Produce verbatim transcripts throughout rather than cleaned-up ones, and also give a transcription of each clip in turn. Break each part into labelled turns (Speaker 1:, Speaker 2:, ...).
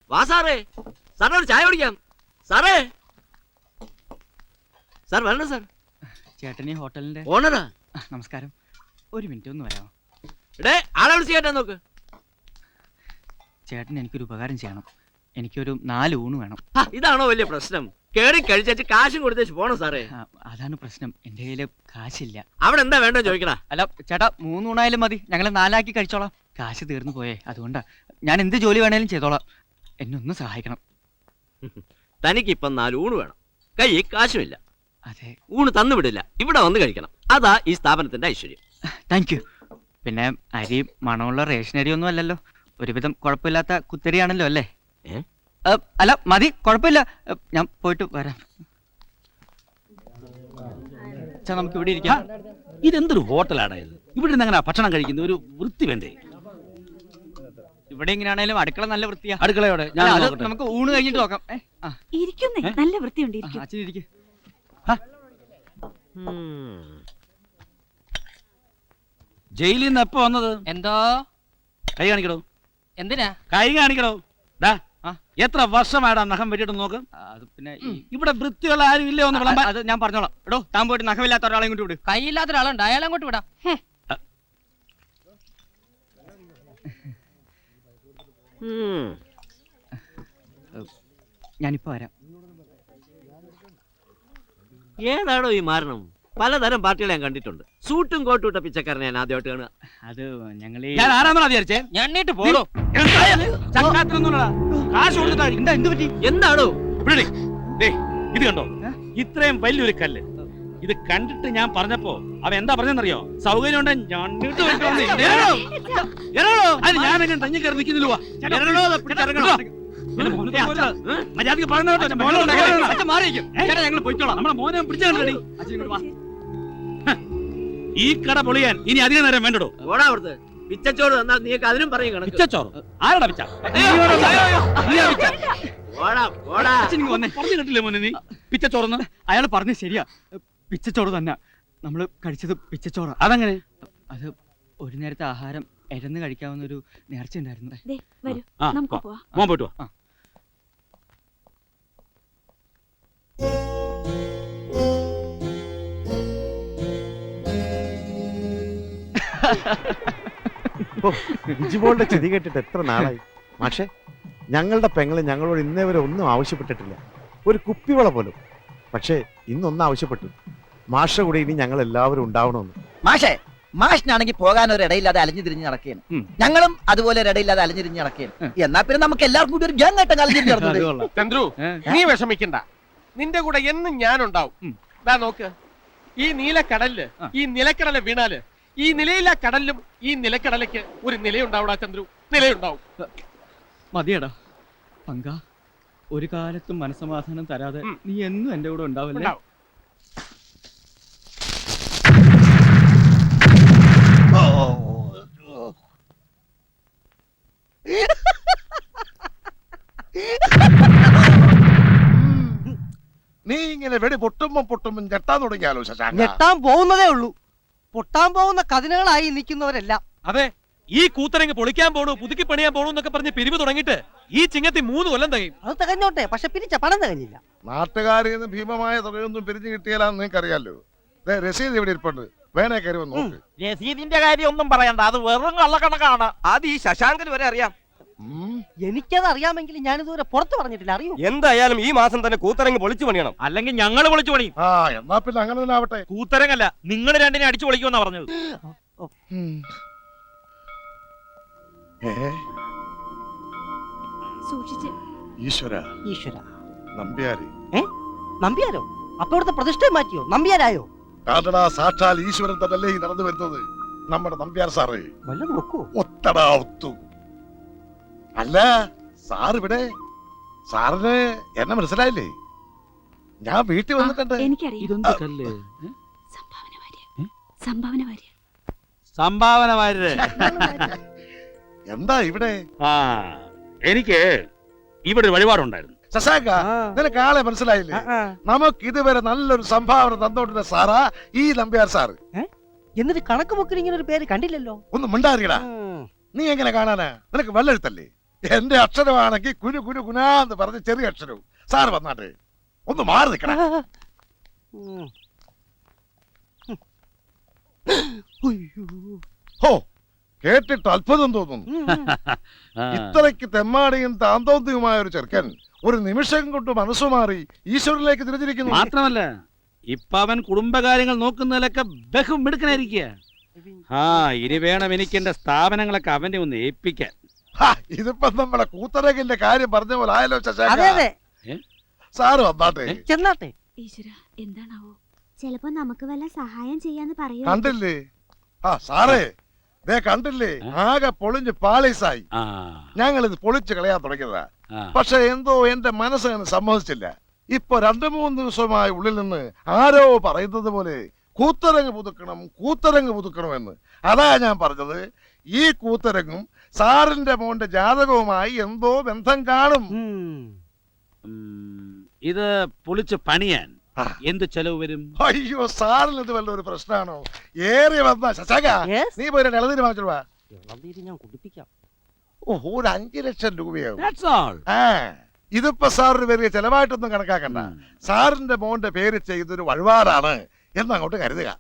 Speaker 1: വാ സാറേ, സാറിന് ഒരു ചായ കുടിക്കാം. സാറേ, സാർ വരണം സാർ.
Speaker 2: ചേട്ടനീ ഹോട്ടലിന്റെ
Speaker 1: ഓണറാ?
Speaker 2: നമസ്കാരം. ഒരു മിനിറ്റ് ഒന്ന് വരാമോ?
Speaker 1: ഇടേ, ആളെ വിളിച്ച് കേട്ടാ നോക്ക്.
Speaker 2: ചേട്ടൻ എനിക്കൊരു ഉപകാരം ചെയ്യണം. എനിക്കൊരു നാല് ഊണ് വേണം.
Speaker 1: ഇതാണോ വലിയ പ്രശ്നം? കേറി കഴിച്ചു കാശും കൊടുത്തേച്ച് പോണം സാറേ.
Speaker 2: അതാണ് പ്രശ്നം, എന്റെ കയ്യില് കാശില്ല.
Speaker 1: അവിടെ എന്താ വേണ്ടോ ചോദിക്കണ?
Speaker 2: അല്ല ചേട്ടാ, മൂന്നൂണായാലും മതി, ഞങ്ങള് നാലാക്കി കഴിച്ചോളാം. കാശ് തീർന്നു പോയേ, അതുകൊണ്ടാ. ഞാൻ എന്ത് ജോലി വേണേലും ചെയ്തോളാം, എന്നെ ഒന്ന് സഹായിക്കണം.
Speaker 1: തനിക്കിപ്പം നാല് ഊണ് വേണം, കൈ കാശുമില്ല.
Speaker 2: അതെ,
Speaker 1: ഊണ് തന്നു വിടില്ല, ഇവിടെ വന്ന് കഴിക്കണം. അതാ ഈ സ്ഥാപനത്തിന്റെ ഐശ്വര്യം.
Speaker 2: Thank you. പിന്നെ അരി മണമുള്ള റേഷൻ അരി ഒന്നും അല്ലല്ലോ, ഒരുവിധം കുഴപ്പമില്ലാത്ത കുത്തരിയാണല്ലോ അല്ലേ? അല്ല മതി, കുഴപ്പമില്ല, ഞാൻ പോയിട്ട് വരാം. നമുക്ക് ഇവിടെ ഇരിക്കാം.
Speaker 3: ഇതെന്തൊരു ഹോട്ടലാണ് ഇത്? ഇവിടെ നിന്ന് അങ്ങനെ ഭക്ഷണം കഴിക്കുന്ന ഒരു വൃത്തി വേണ്ടേ?
Speaker 2: ഇവിടെ എങ്ങനെയാണേലും അടുക്കള നല്ല വൃത്തിയാ.
Speaker 3: അടുക്കളയോടെ
Speaker 2: നമുക്ക് ഊണ് കഴിഞ്ഞിട്ട് നോക്കാം.
Speaker 4: നല്ല വൃത്തിയുണ്ട്.
Speaker 2: അച്ഛൻ ഇരിക്കും.
Speaker 3: ജയിലിൽ നിന്ന് എപ്പോ വന്നത്?
Speaker 2: എന്തോ
Speaker 3: കൈ കാണിക്കടോ.
Speaker 2: എന്തിനാ
Speaker 3: കൈ കാണിക്കടോ? എത്ര വർഷമായിടാ നഖം വെട്ടിട്ട് നോക്ക്.
Speaker 2: അത് പിന്നെ
Speaker 3: ഇവിടെ വൃത്തിയുള്ള ആരും ഇല്ലേ ഒന്ന് വിളമ്പാൻ?
Speaker 2: അത് ഞാൻ പറഞ്ഞോളാം. എടോ, താൻ പോയിട്ട് നഖമില്ലാത്ത ഒരാളെ കൊണ്ട് വിട്.
Speaker 5: കൈയില്ലാത്ത ഒരാളുണ്ട്, അയാളെ അങ്ങോട്ട് വിടാം.
Speaker 2: ഞാനിപ്പോ വരാം.
Speaker 1: ഏതാണോ ഈ മാരണം? പലതരം പാർട്ടികളെ ഞാൻ കണ്ടിട്ടുണ്ട്. സൂട്ടും കോട്ടും ഇട്ട പിച്ചക്കാരനെ ഞാൻ ആദ്യമായിട്ട് കാണുക.
Speaker 2: അത് ഞങ്ങൾ
Speaker 3: ഞാൻ ആരാന്നാ വിചാരിച്ചേ?
Speaker 5: ഞണ്ണിട്ട് പോടോ.
Speaker 3: കാശ് കൊടുത്തിട്ടാ
Speaker 2: എന്ത് പറ്റി?
Speaker 1: എന്താണോ
Speaker 3: ഇത് കണ്ടോ? ഇത്രയും വലിയൊരു കല്ല് ഇത് കണ്ടിട്ട് ഞാൻ പറഞ്ഞപ്പോ അവൻ എന്താ പറഞ്ഞെന്നറിയോ? സൗകര്യം ഉണ്ട് ഞണ്ണിട്ട് അത് ഞാൻ എങ്ങനെ തങ്ങി കയറി നിൽക്കുന്നില്ല. ഈ കട പൊളിയാൻ ഇനി അധികം നേരം വേണ്ടോ?
Speaker 1: ഓടാ അവിടുത്തെ പിച്ചച്ചോറ് തന്നാൽ നീക്ക് അതിനും പറയും കണക്ക്.
Speaker 3: പിച്ചച്ചോറ് ആരടാ പിച്ച? പറഞ്ഞു കേട്ടില്ലേ മോനെ നീ പിച്ചച്ചോറന്ന്?
Speaker 2: അയാൾ പറഞ്ഞ ശരിയാ, പിച്ചച്ചോറ് തന്നെ. നമ്മള് കഴിച്ചത് പിച്ചച്ചോറ.
Speaker 3: അതങ്ങനെ?
Speaker 2: അത് ഒരു നേരത്തെ ആഹാരം എരന്ന് കഴിക്കാവുന്ന ഒരു നേർച്ച ഉണ്ടായിരുന്നു.
Speaker 3: മോൻ പോയിട്ട് വാ.
Speaker 6: ഇജിബോളുടെ ചെതി കേട്ടിട്ട് എത്ര നാളായി. പക്ഷേ ഞങ്ങളുടെ പെങ്ങള് ഞങ്ങളോട് ഇന്നേ വരെ ഒന്നും ആവശ്യപ്പെട്ടിട്ടില്ല, ഒരു കുപ്പിവള പോലും. പക്ഷേ ഇന്നൊന്നും ആവശ്യപ്പെട്ടു. മാഷ കൂടെ ഇനി ഞങ്ങൾ എല്ലാവരും ഉണ്ടാവണമെന്ന്.
Speaker 7: മാഷേ, മാഷിനാണെങ്കിൽ പോകാൻ ഒരു ഇടയില്ലാതെ അലഞ്ഞു തിരിഞ്ഞ് നടക്കുകയാണ്. ഞങ്ങളും അതുപോലെ ഒരു ഇടയില്ലാതെ അലഞ്ഞു തിരിഞ്ഞ് നടക്കുകയാണ്. എന്നാ പിന്നെ നമുക്ക് എല്ലാവർക്കും കൂടി ഒരു ഗ്യാങ് ആയിട്ട് അലഞ്ഞിരിഞ്ഞ് നടന്നത്.
Speaker 8: ചന്ദ്രു, നീ വിഷമിക്കണ്ട, നിന്റെ കൂടെ എന്നും ഞാനുണ്ടാവും. ദാ നോക്ക്, ഈ നീലക്കടലില് ഈ നിലക്കടല വീണാല് ഈ നിലയില്ല കടലിലും ഈ നിലക്കടലയ്ക്ക് ഒരു നിലയുണ്ടാവൂടാ ചന്ദ്രു, നിലയുണ്ടാവും.
Speaker 2: മതിയടാ പങ്ക, ഒരു കാലത്തും മനസമാധാനം തരാതെ നീ എന്നും എന്റെ കൂടെ ഉണ്ടാവില്ലേ?
Speaker 8: നീ ഇങ്ങനെ വെടി പൊട്ടുമ്പോ പൊട്ടുമ്പോ ഞെട്ടാൻ തുടങ്ങിയാലോ ശശാങ്ക?
Speaker 9: ഞെട്ടാൻ പോകുന്നതേ ഉള്ളൂ. പൊട്ടാൻ പോകുന്ന കഥനകളായി നിൽക്കുന്നവരെല്ലാം.
Speaker 10: അതെ, ഈ കൂത്തരങ്ങ് പൊളിക്കാൻ പോണു, പുതുക്കി പണിയാൻ പോണു എന്നൊക്കെ പറഞ്ഞ് പിരിവ് തുടങ്ങിയിട്ട് ഈ ചിങ്ങത്തി മൂന്ന് കൊല്ലം തികയും.
Speaker 9: അത് തികഞ്ഞോട്ടെ, പക്ഷെ പിരിച്ച പണം തികഞ്ഞില്ല.
Speaker 8: നാട്ടുകാരിൽ നിന്ന് ഭീമമായ തുകയൊന്നും പിരിഞ്ഞു കിട്ടിയാലാന്ന് നിനക്കറിയാലോ. രസീത് ഇവിടെ ഇരിപ്പുണ്ട്, വേണേ കയറി വന്ന് നോക്ക്.
Speaker 7: രസീതിന്റെ കാര്യം ഒന്നും പറയണ്ട, അത് വെറും കള്ളക്കണക്കാണ്.
Speaker 5: അത് ഈ ശശാങ്കന് വരെ അറിയാം.
Speaker 9: എനിക്കത് അറിയാമെങ്കിൽ ഞാനിതുവരെ പുറത്ത് പറഞ്ഞിട്ടില്ല. അറിയൂ,
Speaker 10: എന്തായാലും ഈ മാസം തന്നെ കൂത്തരങ്ങ് പൊളിച്ചു പണിയണം, അല്ലെങ്കിൽ ഞങ്ങൾ പൊളിച്ചു പണിയും.
Speaker 8: ആ എന്നാ പിന്നെ അങ്ങനെ തന്നെ ആവട്ടെ.
Speaker 10: കൂത്തരങ്ങല്ല, നിങ്ങൾ രണ്ടിനെ അടിച്ചു പൊളിക്കുമെന്നാ പറഞ്ഞത്.
Speaker 8: ഈശ്വര
Speaker 9: ഈശ്വര
Speaker 8: നമ്പ്യാരി.
Speaker 9: നമ്പ്യാരോ? അപ്പൊ ഇവിടുത്തെ പ്രതിഷ്ഠ മാറ്റിയോ? നമ്പ്യാരായോ?
Speaker 8: കാട്ടടാ, സാക്ഷാൽ ഈശ്വരൻ തന്നല്ലേ ഈ നടന്നു വരുന്നത്. നമ്മുടെ നമ്പ്യാർ സാറേ,
Speaker 9: വല്ല നോക്കൂ.
Speaker 8: ഒത്തടാ ഒത്തു. അല്ല സാർ ഇവിടെ, സാറിന് എന്നെ മനസ്സിലായില്ലേ? ഞാൻ വീട്ടിൽ വന്നിട്ടുണ്ട്.
Speaker 3: സംഭാവന വാര്യര്
Speaker 8: എന്താ ഇവിടെ?
Speaker 3: ആ എനിക്ക് ഇവിടെ ഒരു വഴിപാടുണ്ടായിരുന്നു.
Speaker 8: ശശാങ്ക, നിനക്ക് ആളെ മനസ്സിലായില്ലേ? നമുക്ക് ഇതുവരെ നല്ലൊരു സംഭാവന തന്നോണ്ടിരുന്ന സാറാ ഈ നമ്പ്യാർ സാറ്.
Speaker 9: എന്നിട്ട് കണക്ക് ബുക്കിൽ ഇങ്ങനെ ഒരു പേര് കണ്ടില്ലല്ലോ.
Speaker 8: ഒന്ന് മിണ്ടാറിയടാ. നീ എങ്ങനെ കാണാനാ? നിനക്ക് വെള്ളെഴുത്തല്ലേ?
Speaker 6: എന്റെ അക്ഷരമാണെങ്കിൽ കുരു കുരു കുനാന്ന് പറഞ്ഞ ചെറിയ അക്ഷരവും. സാറ് വന്നാട്ടെ, ഒന്ന് മാറി നിൽക്കണം. ഹോ, കേട്ടിട്ട് അത്ഭുതം തോന്നുന്നു. ഇത്രയ്ക്ക് തെമ്മാടിയും താന്തോന്തിയുമായ ഒരു ചെറുക്കൻ ഒരു നിമിഷം കൊണ്ട് മനസ്സു മാറി ഈശ്വരനിലേക്ക് തിരിഞ്ഞിരിക്കുന്നു.
Speaker 3: മാത്രമല്ല ഇപ്പൊ അവൻ കുടുംബകാര്യങ്ങൾ നോക്കുന്നതിലൊക്കെ ബഹും മിടുക്കനായിരിക്കുക. ആ ഇനി വേണം എനിക്ക് എന്റെ സ്ഥാപനങ്ങളൊക്കെ അവനെ ഒന്ന് ഏൽപ്പിക്കാൻ.
Speaker 6: ഹാ, ഇതിപ്പോ നമ്മളെ കൂത്തരകിന്റെ കാര്യം പറഞ്ഞ പോലെ ആയല്ലോ
Speaker 9: അതെ
Speaker 6: ശശാങ്ക.
Speaker 9: അതെ
Speaker 6: സാറ് വന്നാട്ടെ.
Speaker 9: ചെന്നാട്ടെ.
Speaker 4: ഈശ്വര എന്താണാവോ?
Speaker 11: ചിലപ്പോ നമുക്ക് വല്ല സഹായം ചെയ്യാന്ന് പറയൂ.
Speaker 6: കണ്ടില്ലേ? ആ സാറേ, ദേ കണ്ടില്ലേ, ആകെ പൊളിഞ്ഞ് പാളീസായി.
Speaker 3: ആ
Speaker 6: ഞങ്ങൾ ഇത് പൊളിച്ച് കളയാൻ തുടങ്ങിയതാ.
Speaker 3: ആ.
Speaker 6: പക്ഷെ എന്തോ എന്റെ മനസ്സങ്ങനെ സമ്മതിച്ചില്ല. ഇപ്പൊ രണ്ടു മൂന്ന് ദിവസമായി ഉള്ളിൽ നിന്ന് ആരോ പറയുന്നത് പോലെ കൂത്തരങ്ങ് പുതുക്കണം കൂത്തരങ്ങ് പുതുക്കണം എന്ന്. അതാ ഞാൻ പറഞ്ഞത്, ഈ കൂത്തരങ്ങും സാറിന്റെ മോന്റെ ജാതകവുമായി എന്തോ ബന്ധം കാണും.
Speaker 3: ഉം, ഇത് പൊളിച്ച് പണിയാൻ
Speaker 6: ആ.
Speaker 3: എന്ത് ചെലവ് വരും?
Speaker 6: അയ്യോ, സാറിന് ഇത് വല്ല ഒരു പ്രശ്നമാണോ? ഏറി വന്ന ശശാങ്ക,
Speaker 9: Yes.
Speaker 6: നീ പോയി ഇളനീര് വാങ്ങിച്ചോളൂ വാ.
Speaker 9: ഇളനീര് ഞാൻ കുടിപ്പിക്കാം.
Speaker 6: ഓ, ഒരു അഞ്ചു ലക്ഷം രൂപയാവും.
Speaker 3: That's all.
Speaker 6: ആ, ഇതിപ്പോ സാറിന് വലിയ ചെലവായിട്ടൊന്നും കണക്കാക്കണ്ട.
Speaker 3: ഉം.
Speaker 6: സാറിന്റെ മോന്റെ പേര് ചെയ്തൊരു വഴിപാടാണ് എന്നങ്ങോട്ട് കരുതുക.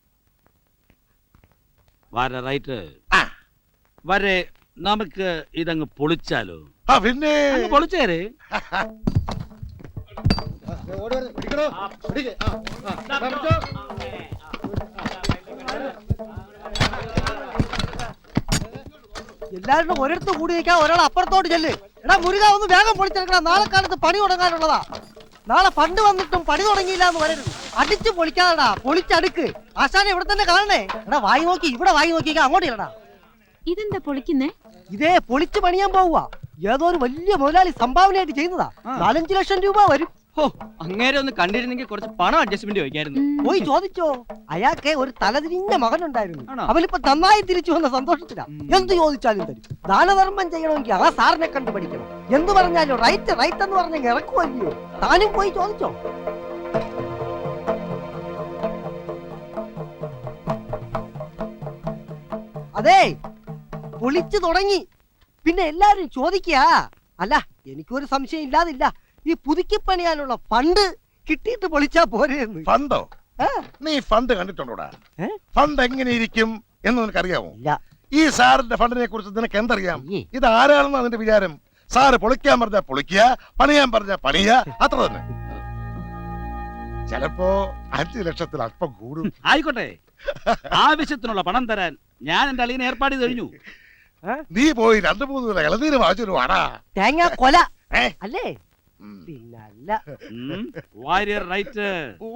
Speaker 3: വരെ റൈറ്റ്
Speaker 6: ആ.
Speaker 3: വരെ നമുക്ക് ഇതങ്ങ് പൊളിച്ചാലോ?
Speaker 6: ആ പിന്നെ
Speaker 3: അങ്ങ് പൊളിച്ചേര്.
Speaker 9: എല്ലാവരും ഒരിടത്ത് കൂടി നിൽക്കാൻ ഒരാൾ അപ്പുറത്തോട്ട് ചെല്ല്. എടാ മുരുക, ഒന്ന് വേഗം പൊളിച്ചെടുക്കണം. നാളെ കാലത്ത് പണി തുടങ്ങാനുള്ളതാ. നാളെ പണ്ട് വന്നിട്ടും പണി തുടങ്ങിയില്ല എന്ന് പറയരുത്. അടിച്ചു പൊളിക്കാതെടാ, പൊളിച്ചടുക്ക്. ആശാനെ ഇവിടെ തന്നെ കാണണേ. എടാ വായി നോക്കി, ഇവിടെ വായി നോക്കി അങ്ങോട്ട് ഇല്ലടാ.
Speaker 4: ഇതെന്താ പൊളിക്കുന്നേ?
Speaker 9: ഇതേ പൊളിച്ച് പണിയാൻ പോവുക. ഏതോ ഒരു വലിയ മുതലാളി സംഭാവനയായിട്ട് ചെയ്യുന്നതാ. നാലഞ്ചു ലക്ഷം രൂപ വരും.
Speaker 2: ഹോ, അങ്ങേരെ ഒന്ന് കണ്ടിരുന്നെങ്കിൽ കുറച്ച് പണം അഡ്ജസ്റ്റ്മെന്റ് ചോദിക്കായിരുന്നു.
Speaker 9: പോയി ചോദിച്ചോ. അയാൾക്ക് ഒരു തലതിരിഞ്ഞ മകനുണ്ടായിരുന്നു.
Speaker 2: ആണോ?
Speaker 9: അവനിപ്പോ നന്നായി തിരിച്ചു വന്ന സന്തോഷത്തിലാ.
Speaker 2: ഉം.
Speaker 9: എന്ത് ചോദിച്ചാലും തരും. ദാനധർമ്മം ചെയ്യണമെങ്കിൽ ആ സാറിനെ കണ്ടു പഠിക്കണം. എന്ത് പറഞ്ഞാലും റൈറ്റ് റൈറ്റ് എന്ന് പറഞ്ഞ ഇറക്കുമല്ലോ. താനും പോയി ചോദിച്ചോ. അതെ, പൊളിച്ചു തുടങ്ങി. പിന്നെ എല്ലാരും ചോദിക്കുക, അല്ല എനിക്കൊരു സംശയം ഇല്ലാതില്ല, ഈ പുതുക്കി പണിയാനുള്ള ഫണ്ട് കിട്ടിയിട്ട് പൊളിച്ചാ പോരെയെന്ന്.
Speaker 6: ഫണ്ടോ?
Speaker 9: ആ,
Speaker 6: നീ ഫണ്ട് കണ്ടിട്ടുണ്ടോടാ?
Speaker 9: ഏ?
Speaker 6: ഫണ്ട് എങ്ങനെ ഇരിക്കും എന്ന് നിനക്കറിയാമോ?
Speaker 9: ഇല്ല.
Speaker 6: ഈ സാറിന്റെ ഫണ്ടിനെ കുറിച്ച് നിനക്ക് എന്തറിയാം?
Speaker 9: അയ്യേ.
Speaker 6: ഇത് ആരാണെന്ന് അതിന്റെ വിചാരം? സാറ് പൊളിക്കാൻ പറഞ്ഞാ പൊളിക്കുക, പണിയാൻ പറഞ്ഞാ പണിയ, അത്ര തന്നെ. ചിലപ്പോ അഞ്ചു ലക്ഷത്തിൽ അല്പം കൂടും.
Speaker 3: ആയിക്കോട്ടെ, ആവശ്യത്തിനുള്ള പണം തരാൻ ഞാൻ എന്റെ അളിയനെ ഏർപ്പാട് ചെയ്ത് കഴിഞ്ഞു.
Speaker 6: നീ പോയി രണ്ടു മൂന്ന് പേരെ ഇളനീര് വാങ്ങിച്ചു വാടാ.
Speaker 9: തേങ്ങ കൊല
Speaker 6: ഏ?
Speaker 9: അല്ലേ?
Speaker 6: ഉം.
Speaker 9: പിന്നല്ല.
Speaker 3: വാരിയർ റൈറ്റ്.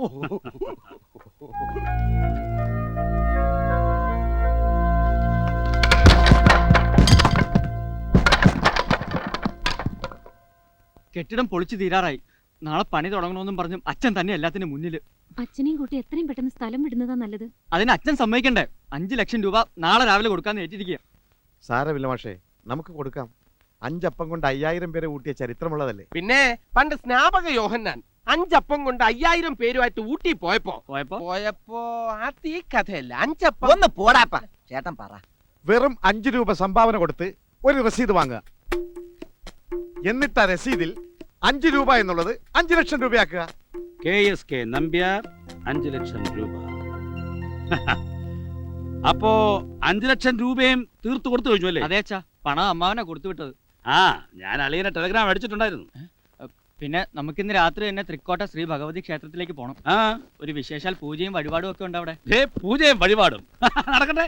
Speaker 2: കെട്ടിടം പൊളിച്ചു തീരാറായി. നാളെ പണി തുടങ്ങണമെന്നും പറഞ്ഞും അച്ഛൻ തന്നെ എല്ലാത്തിനും മുന്നില്.
Speaker 4: അച്ഛനെയും കൂട്ടി എത്രയും പെട്ടെന്ന് സ്ഥലം വിടുന്നതാ നല്ലത്.
Speaker 2: അതിന് അച്ഛൻ സമ്മതിക്കണ്ടേ? അഞ്ചു ലക്ഷം രൂപ നാളെ രാവിലെ കൊടുക്കാന്ന് ഏറ്റിരിക്കുക.
Speaker 6: സാരമില്ല മാഷേ, നമുക്ക് കൊടുക്കാം. അഞ്ചപ്പം കൊണ്ട് അയ്യായിരം പേരെ കൂട്ടിയ ചരിത്രമുള്ളതല്ലേ.
Speaker 8: പിന്നെ പണ്ട് സ്നാപക യോഹന്നാൻ അഞ്ചപ്പം കൊണ്ട് അയ്യായിരം പേരുമായിട്ട് ഊട്ടി പോയപ്പോ
Speaker 2: പോയപ്പോ
Speaker 8: പോയപ്പോ അത് ഈ കഥയല്ല. അഞ്ചപ്പം
Speaker 7: ഒന്ന് പോടാപ്പ. ചേട്ടൻ പറ.
Speaker 6: വെറും അഞ്ചു രൂപ സംഭാവന കൊടുത്ത് ഒരു രസീത് വാങ്ങുക. എന്നിട്ട് ആ രസീതിൽ അഞ്ചു രൂപ എന്നുള്ളത് അഞ്ചു ലക്ഷം രൂപയാക്കുക.
Speaker 3: കെ എസ് കെ നമ്പ്യാർ അഞ്ചു ലക്ഷം രൂപ. അപ്പോ അഞ്ചു ലക്ഷം രൂപയും തീർത്തു കൊടുത്തു കഴിഞ്ഞു അല്ലേ?
Speaker 2: അതേ അച്ഛാ, പണം അമ്മാവനെ കൊടുത്തു വിട്ടത്.
Speaker 3: ആ, ഞാൻ അളിയനെ ടെലഗ്രാം അടിച്ചിട്ടുണ്ടായിരുന്നു.
Speaker 2: പിന്നെ നമുക്കിന്ന് രാത്രി തന്നെ തൃക്കോട്ട ശ്രീ ഭഗവതി ക്ഷേത്രത്തിലേക്ക് പോകണം.
Speaker 3: ആ,
Speaker 2: ഒരു വിശേഷാൽ പൂജയും വഴിപാടും ഒക്കെ ഉണ്ട് അവിടെ.
Speaker 3: ദേ പൂജയും വഴിപാടും നടക്കട്ടെ.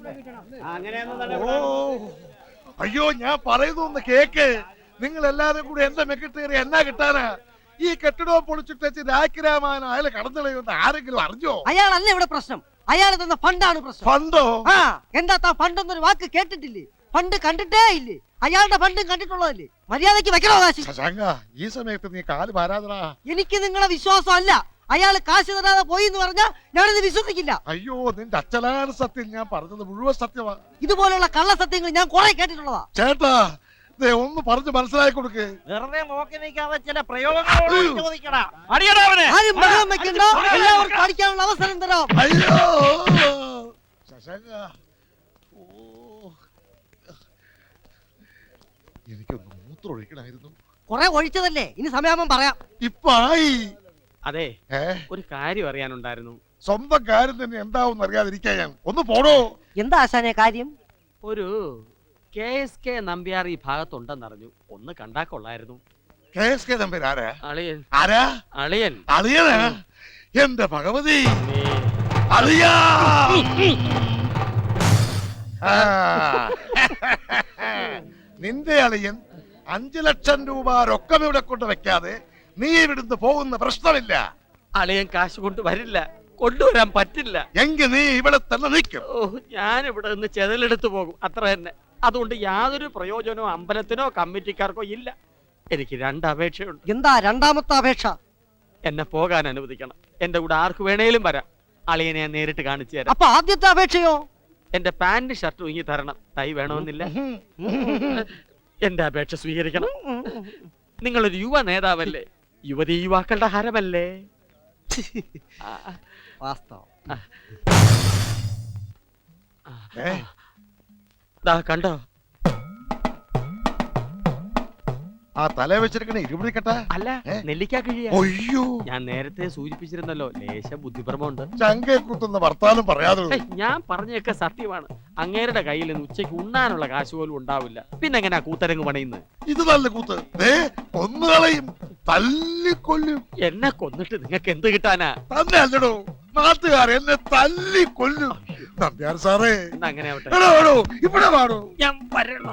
Speaker 6: ഓ, അയ്യോ, ഞാൻ പറയുന്നു കേക്ക്. നിങ്ങൾ എല്ലാരും കൂടി എന്റെ മെക്കിട്ടേറി എന്നാ കിട്ടാനാ? ഈ കെട്ടിടവും പൊളിച്ചിട്ട് രാഖിരാമായണ അയാളെ കടന്നുകളയുമെന്ന് ആരെങ്കിലും അറിഞ്ഞോ?
Speaker 9: അയാളല്ല ഇവിടെ പ്രശ്നം. അയാൾ തന്ന ഫണ്ടാണ് പ്രശ്നം.
Speaker 6: ഫണ്ടോ?
Speaker 9: ആ, എന്താ താ ഫണ്ട് എന്നൊരു വാക്ക് കേട്ടിട്ടില്ലേ? ഫണ്ട് കണ്ടിട്ടേ ഇല്ലേ? അയാളുടെ ഫണ്ടും കണ്ടിട്ടുള്ളതല്ലേ? മര്യാദയ്ക്ക് വെക്കണോ കാശ്?
Speaker 6: ശശാങ്ക, ഈ സമയത്ത് നീ കാല് പാരാതടാ.
Speaker 9: എനിക്ക് നിങ്ങളെ വിശ്വാസം അല്ല. അയാൾ കാശ് തരാതെ പോയി എന്ന് പറഞ്ഞാൽ ഞാനിത് വിശ്വസിക്കില്ല.
Speaker 6: അയ്യോ, നിന്റെ അച്ഛനാണ് സത്യം. ഞാൻ പറഞ്ഞത് മുഴുവൻ സത്യമാ.
Speaker 9: ഇതുപോലുള്ള കള്ള സത്യങ്ങൾ ഞാൻ കുറെ കേട്ടിട്ടുള്ളതാ.
Speaker 6: ചേട്ടാ, ദേ ഒന്ന് പറഞ്ഞു മനസ്സിലാക്കി കൊടുക്ക്.
Speaker 8: വെറുതെ നോക്കി നിൽക്കാതെ ചില പ്രയോഗങ്ങളോട് ചോദിക്കടാ.
Speaker 3: അടിയടാ അവനെ.
Speaker 9: ആരും ബഹളം വെക്കണ്ട. എല്ലാവർക്കും പഠിക്കാനുള്ള അവസരം തരാം.
Speaker 6: അയ്യോ ശശാങ്ക, ഓ, എനിക്കൊന്ന് മൂത്രം ഒഴിക്കണമായിരുന്നു.
Speaker 9: കൊറേ ഒഴിച്ചതല്ലേ, ഇനി സമയാകുമ്പം പറയാം.
Speaker 6: ഇപ്പൊ ആയി.
Speaker 3: അതെ,
Speaker 6: ഏ
Speaker 3: ഒരു കാര്യം അറിയാനുണ്ടായിരുന്നു.
Speaker 6: സ്വന്തം കാര്യം തന്നെ എന്താവും അറിയാതിരിക്കാൻ ഞാൻ. ഒന്ന് പോടോ.
Speaker 9: എന്താ ആശാനെ കാര്യം?
Speaker 3: ഒരു കെ എസ് കെ നമ്പ്യാർ ഈ ഭാഗത്തുണ്ടെന്നറിഞ്ഞു. ഒന്ന് കണ്ടാ കൊള്ളായിരുന്നു.
Speaker 6: കെ എസ് കെ നമ്പർ ആരാ?
Speaker 3: അളിയൻ.
Speaker 6: ആരാ?
Speaker 3: അളിയൻ.
Speaker 6: അളിയനാ? എന്റെ ഭഗവതി, അളിയാ. ആ. നിന്റെ അളിയൻ അഞ്ചു ലക്ഷം രൂപ രൊക്കം ഇവിടെ കൊണ്ട് വെക്കാതെ നീ ഇവിടുന്ന് പോകുന്ന പ്രശ്നമില്ല.
Speaker 3: അളിയൻ കാശ് കൊണ്ട് വരില്ല, കൊണ്ടുവരാൻ പറ്റില്ല.
Speaker 6: എങ്കിൽ നീ ഇവിടെ തന്നെ നിൽക്കും.
Speaker 3: ഓ, ഞാൻ ഇവിടെ നിന്ന് ചെതലെടുത്തു പോകും, അത്ര തന്നെ. അതുകൊണ്ട് യാതൊരു പ്രയോജനവും അമ്പലത്തിനോ കമ്മിറ്റിക്കാർക്കോ ഇല്ല. എനിക്ക് രണ്ട് അപേക്ഷയുണ്ട്.
Speaker 9: എന്താ രണ്ടാമത്തെ അപേക്ഷ?
Speaker 3: എന്നെ പോകാൻ അനുവദിക്കണം. എന്റെ കൂടെ ആർക്ക് വേണേലും വരാം. അളിയനെ ഞാൻ നേരിട്ട് കാണിച്ചു തരാം.
Speaker 9: അപ്പൊ ആദ്യത്തെ അപേക്ഷയോ?
Speaker 3: എന്റെ പാന്റ് ഷർട്ട് ഉങ്ങി തരണം. തൈ വേണമെന്നില്ല. എന്റെ അപേക്ഷ സ്വീകരിക്കണം. നിങ്ങളൊരു യുവ നേതാവല്ലേ, യുവതി യുവാക്കളുടെ ഹരമല്ലേ.
Speaker 9: വാസ്തവം.
Speaker 6: ഏ?
Speaker 3: ദാ കണ്ടോ,
Speaker 6: ആ തല വെച്ചിരിക്കണ ഇരുപിടിക്കട്ട
Speaker 3: അല്ല നെല്ലിക്കാ കിഴിയ.
Speaker 6: ഒയ്യോ,
Speaker 3: ഞാൻ നേരത്തെ സൂചിപ്പിച്ചിരുന്നല്ലോ, ലേശ ബുദ്ധിപരമുണ്ട്.
Speaker 6: ചങ്കെ കുത്തുന്ന വർത്താനം പറയാതെ.
Speaker 3: ഏയ്, ഞാൻ പറഞ്ഞൊക്കെ സത്യമാണ്. അങ്ങേരുടെ കയ്യിൽ നിന്ന് ഉച്ചയ്ക്ക് ഉണ്ണാനുള്ള കാശ് പോലും ഉണ്ടാവില്ല. പിന്നെ എങ്ങനെയാ കൂത്തരങ്ങ് പണിയുന്നത്?
Speaker 6: ഇത് നല്ല കൂത്ത്. ദേ, കൊന്നുകളയും, തല്ലിക്കൊല്ലും.
Speaker 3: എന്നെ കൊന്നിട്ട് നിങ്ങൾക്ക് എന്ത് കിട്ടാനാ?
Speaker 6: തന്നെ അല്ലടോ, നാട്ടുകാർ എന്നെ തല്ലിക്കൊല്ലും. നമ്പ്യാർ സാറേ,
Speaker 3: എന്നാ അങ്ങനെ ആവട്ടെ.
Speaker 6: എടോ, എടോ, ഇവിടെ വാടോ.
Speaker 3: ഞാൻ വരണോ?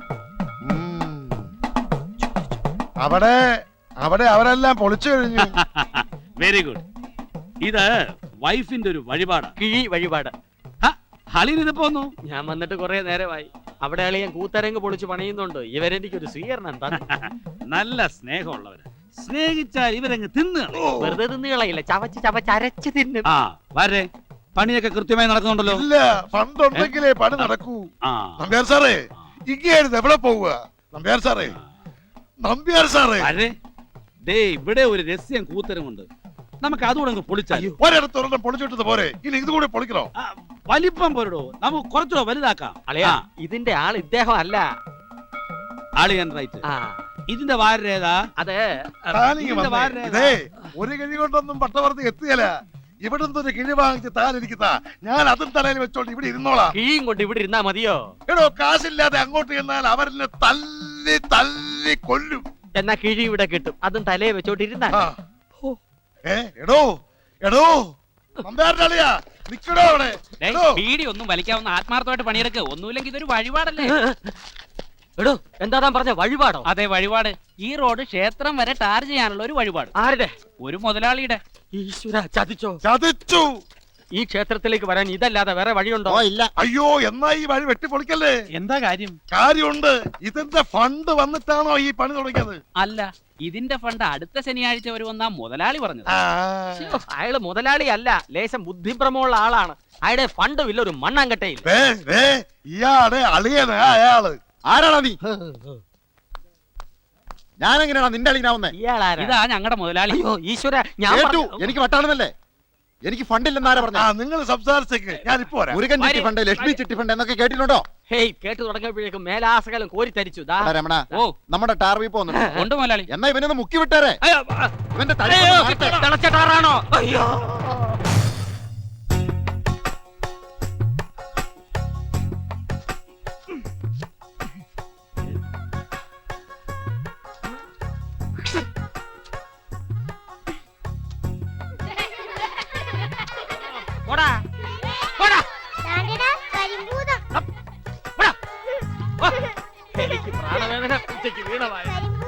Speaker 6: അവിടെ അവിടെ അവരെല്ലാം പൊളിച്ചു കഴിഞ്ഞു.
Speaker 3: Very good. ഇത് വൈഫിന്റെ ഒരു വഴിപാടാ, കിഴി വഴിപാട്. ഹളിന് പോന്നു. ഞാൻ വന്നിട്ട് കുറെ നേരമായി. അവിടെ അളിയൻ കൂത്തരങ്ങ് പൊളിച്ച് പണിയുന്നുണ്ട്. ഇവരെനിക്കൊരു സ്വീകരണം തന്നു. നല്ല സ്നേഹമുള്ളവര്. സ്നേഹിച്ചാൽ ഇവരങ്ങ് തിന്നു. വെറുതെ തിന്നുകളയില്ല, ചവച്ച് ചവച്ച് അരച്ച് തിന്നും. ആ വരെ, പണിയൊക്കെ കൃത്യമായി നടക്കുന്നുണ്ടല്ലോ.
Speaker 6: ഇല്ല, ഫണ്ടുണ്ടെങ്കിലേ പണി നടക്കൂ. നമ്പ്യാർ സാറേ, ഇങ്ങായിരുന്നു എവിടെ പോവുക? നമ്പ്യാർ സാറേ, നമ്പ്യാർ സാറേ,
Speaker 3: ദേ ഇവിടെ ഒരു രഹസ്യം കൂത്തരമുണ്ട്. നമുക്ക് അതുകൂടെ പൊളിച്ചാൽ.
Speaker 6: ഒരിടത്ത് ഒരെണ്ണം പൊളിച്ചിട്ടത് പോരെ, ഇനി ഇത് കൂടെ പൊളിക്കണോ?
Speaker 3: വലിപ്പം പോരടോ, നമുക്ക് കുറച്ചുകൂടെ വലുതാക്കാം. അളിയാ, ഇതിന്റെ ആൾ ഇദ്ദേഹം അല്ല. അളിയൻ റൈറ്റ്. ഇതിന്റെ വാരേതാ? അതെ,
Speaker 6: താനിങ്ങ് വന്നേ. ഇതേ, ഒരു കിഴി കൊണ്ടൊന്നും പട്ടവർത്തി എത്തുകയല്ല. ഇവിടുന്ന് ഒരു കിഴി വാങ്ങിച്ച് താൻ ഇരിക്കുന്ന, ഞാൻ അതും തലയിൽ വെച്ചോണ്ട് ഇവിടെ ഇരുന്നോളാം.
Speaker 3: കിഴിയും കൊണ്ട് ഇവിടെ ഇരുന്നാ മതിയോ?
Speaker 6: എടോ, കാശില്ലാതെ അങ്ങോട്ട് ചെന്നാൽ അവരെന്നെ തല്ലി തല്ലി കൊല്ലും.
Speaker 3: എന്നാ കിഴി ഇവിടെ കിട്ടും, അതും തലയെ വെച്ചോണ്ട് ഇരുന്നാ.
Speaker 6: ഏ, എടോ എടോ നമ്പ്യാരുടെ അളിയാ, നിക്കടോ അവിടെ.
Speaker 5: ബീഡി ഒന്നും വലിക്കാവുന്ന ആത്മാർത്ഥമായിട്ട് പണിയെടുക്കുക. ഒന്നുമില്ലെങ്കിൽ ഇതൊരു വഴിപാടല്ലേ?
Speaker 3: എടോ, എന്താ താൻ പറഞ്ഞ വഴിപാടോ?
Speaker 5: അതെ, വഴിപാട്. ഈ റോഡ് ക്ഷേത്രം വരെ ടാർ ചെയ്യാനുള്ള ഒരു വഴിപാട്.
Speaker 3: ആരുടെ?
Speaker 5: ഒരു മുതലാളിയുടെ.
Speaker 3: ഈശ്വര, ചതിച്ചോ?
Speaker 6: ചതിച്ചു.
Speaker 3: ഈ ക്ഷേത്രത്തിലേക്ക് വരാൻ ഇതല്ലാതെ വേറെ വഴിയുണ്ടോ?
Speaker 6: ഇല്ല. അയ്യോ, എന്നാ ഈ വഴി വെട്ടിപ്പൊളിക്കല്ലേ.
Speaker 5: എന്താ കാര്യം?
Speaker 6: കാര്യമുണ്ട്. ഇതിന്റെ ഫണ്ട് വന്നിട്ടാണോ ഈ പണി തുടങ്ങിയത്?
Speaker 5: അല്ല, ഇതിന്റെ ഫണ്ട് അടുത്ത ശനിയാഴ്ച വരുമെന്നാ മുതലാളി പറഞ്ഞത്.
Speaker 3: ശ്ശോ, അയാള് മുതലാളി അല്ല, ലേശം ബുദ്ധിഭ്രമമുള്ള ആളാണ്. അയാളുടെ ഫണ്ടും ഇല്ല, ഒരു മണ്ണാങ്കട്ടയിൽ.
Speaker 6: ഇയാടെ അളിയനാ അയാള്. ആരാടാ നീ? ഞാനെങ്ങനെയാ നിന്റെ അളിയനാവുന്നേ?
Speaker 5: ഇതാ ഞങ്ങളുടെ മുതലാളി.
Speaker 3: അയ്യോ ഈശ്വര, ഞാൻ
Speaker 6: എനിക്ക് വട്ടാണെന്നല്ലേ? എനിക്ക് ഫണ്ടില്ലെന്നാരാ പറഞ്ഞ? നിങ്ങൾ സംസാരിച്ചേക്ക്, ഞാൻ ഇപ്പൊ വരാം. മുരുകൻ ചിട്ടി ഫണ്ട്, ലക്ഷ്മി ചിട്ടി ഫണ്ട് എന്നൊക്കെ കേട്ടിട്ടുണ്ടോ?
Speaker 3: ഹേയ്, കേട്ടു തുടങ്ങിയപ്പോഴേക്കും മേലാസകലം കോരി തരിച്ചു.
Speaker 6: രമണ,
Speaker 5: ഓ,
Speaker 6: നമ്മുടെ ടാർവി പോകുന്നുണ്ട്.
Speaker 5: ഉണ്ട് മുതലാളി.
Speaker 6: എന്നാ ഇവനൊന്ന് മുക്കി വിട്ടേരെ. ഇവന്റെ തല
Speaker 3: തിളച്ചട്ടാറാണോ? അയ്യോ, പോടാ പോടാ. എനിക്ക് പ്രാണവേദന ഉച്ചയ്ക്ക് വീണമായ.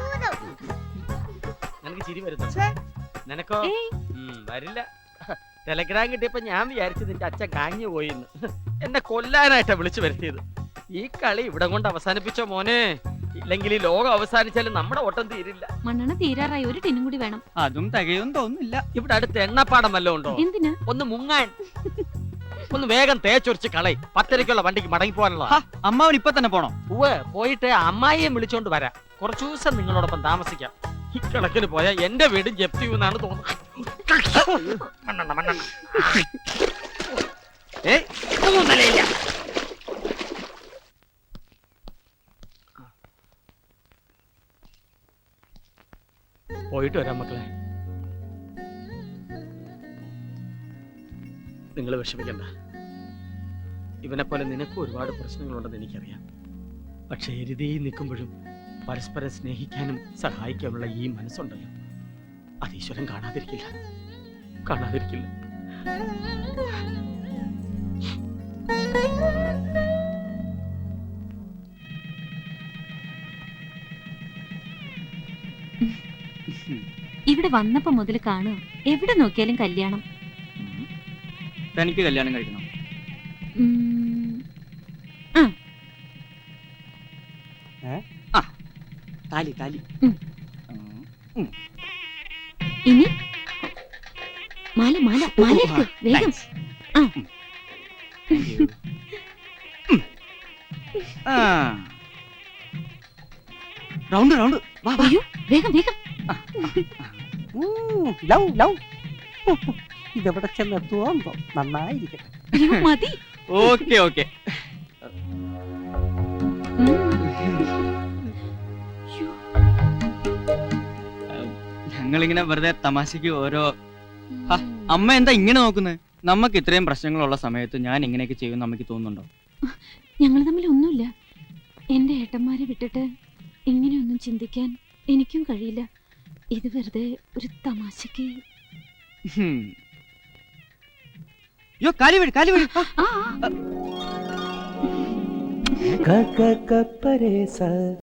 Speaker 3: നിനക്ക് ചിരി വരുന്നു, നിനക്കോ? ഉം, വരില്ല. ടെലഗ്രാം കിട്ടിയപ്പോ ഞാൻ വിചാരിച്ചു നിന്റെ അച്ഛൻ കാഞ്ഞു പോയിന്ന്. എന്നെ കൊല്ലാനായിട്ടാ വിളിച്ചു വരുത്തിയത്. ഈ കളി ഇവിടെ കൊണ്ട് അവസാനിപ്പിച്ചോ മോനെ, ഇല്ലെങ്കിൽ ഈ ലോകം അവസാനിച്ചാലും നമ്മുടെ ഓട്ടം തീരില്ല.
Speaker 4: മണ്ണെണ്ണ തീരാറായി, ഒരു ടിന്നും കൂടി വേണം.
Speaker 2: അതും തികയും തോന്നുന്നില്ല.
Speaker 3: ഇവിടെ അടുത്ത് എണ്ണപ്പാടം വല്ലതും ഉണ്ടോ?
Speaker 4: എന്തിനാ?
Speaker 3: ഒന്ന് മുങ്ങാൻ. ഒന്ന് വേഗം തേച്ചൊരിച്ച് കളയി. പത്തരയ്ക്കുള്ള വണ്ടിക്ക് മടങ്ങി പോകാനുള്ള.
Speaker 2: അമ്മാവൻ ഇപ്പൊ തന്നെ പോണോ?
Speaker 3: ഉവ്വ്, പോയിട്ട് അമ്മായിയെ വിളിച്ചോണ്ട് വരാം. കുറച്ചു ദിവസം നിങ്ങളോടൊപ്പം താമസിക്കാം. ഈ കണക്കിന് പോയാ എന്റെ വീട് ജപ്തി ചെയ്യുമെന്നാണ് തോന്നുന്നത്. മണ്ണെണ്ണ മണ്ണെണ്ണ. ഏയ്, ഇതൊന്നും നിലയില്ല. പോയിട്ട് വരാം മക്കളെ. നിങ്ങൾ വിഷമിക്കണ്ട. ഇവനെ പോലെ നിനക്കും ഒരുപാട് പ്രശ്നങ്ങളുണ്ടെന്ന് എനിക്കറിയാം. പക്ഷെ എരുതിയിൽ നിൽക്കുമ്പോഴും പരസ്പരം സ്നേഹിക്കാനും സഹായിക്കാനുള്ള ഈ മനസ്സുണ്ടല്ലോ, അത് ഈശ്വരൻ കാണാതിരിക്കില്ല, കാണാതിരിക്കില്ല.
Speaker 4: ഇവിടെ വന്നപ്പോ മുതൽ കാണുക, എവിടെ നോക്കിയാലും കല്യാണം.
Speaker 2: തനിക്ക് കല്യാണം കഴിക്കണം?
Speaker 4: ഉം, ആ,
Speaker 2: ആ താലി താലി.
Speaker 4: ഉം. ഇനി മാല മാല മാല എടുക്ക്, വേഗം. ആ.
Speaker 2: റൗണ്ട് റൗണ്ട് വാ വാ.
Speaker 4: അയ്യോ, വേഗം വേഗം.
Speaker 9: ലവ് ലവ് ഇതെവിടെ ചെന്നെത്തുവോ നന്നായിരിക്കട്ടെ.
Speaker 4: അയ്യോ, മതി.
Speaker 2: Okay okay.
Speaker 4: ഉം.
Speaker 2: ഞങ്ങളിങ്ങനെ വെറുതെ തമാശക്ക് ഓരോ ഹ, അമ്മ എന്താ ഇങ്ങനെ നോക്കുന്നത്? നമുക്ക് ഇത്രയും പ്രശ്നങ്ങളുള്ള സമയത്ത് ഞാൻ ഇങ്ങനെയൊക്കെ ചെയ്യുമെന്ന് അമ്മയ്ക്ക് തോന്നുന്നുണ്ടോ?
Speaker 4: ഞങ്ങൾ തമ്മിൽ ഒന്നുമില്ല. എന്റെ ഏട്ടന്മാരെ വിട്ടിട്ട് ഇങ്ങനെയൊന്നും ചിന്തിക്കാൻ എനിക്കും കഴിയില്ല. ഇത് വെറുതെ ഒരു തമാശക്ക്.
Speaker 2: ഹും. യോ കാലി വഴി കാലി വഴി.
Speaker 4: ആ, ആ.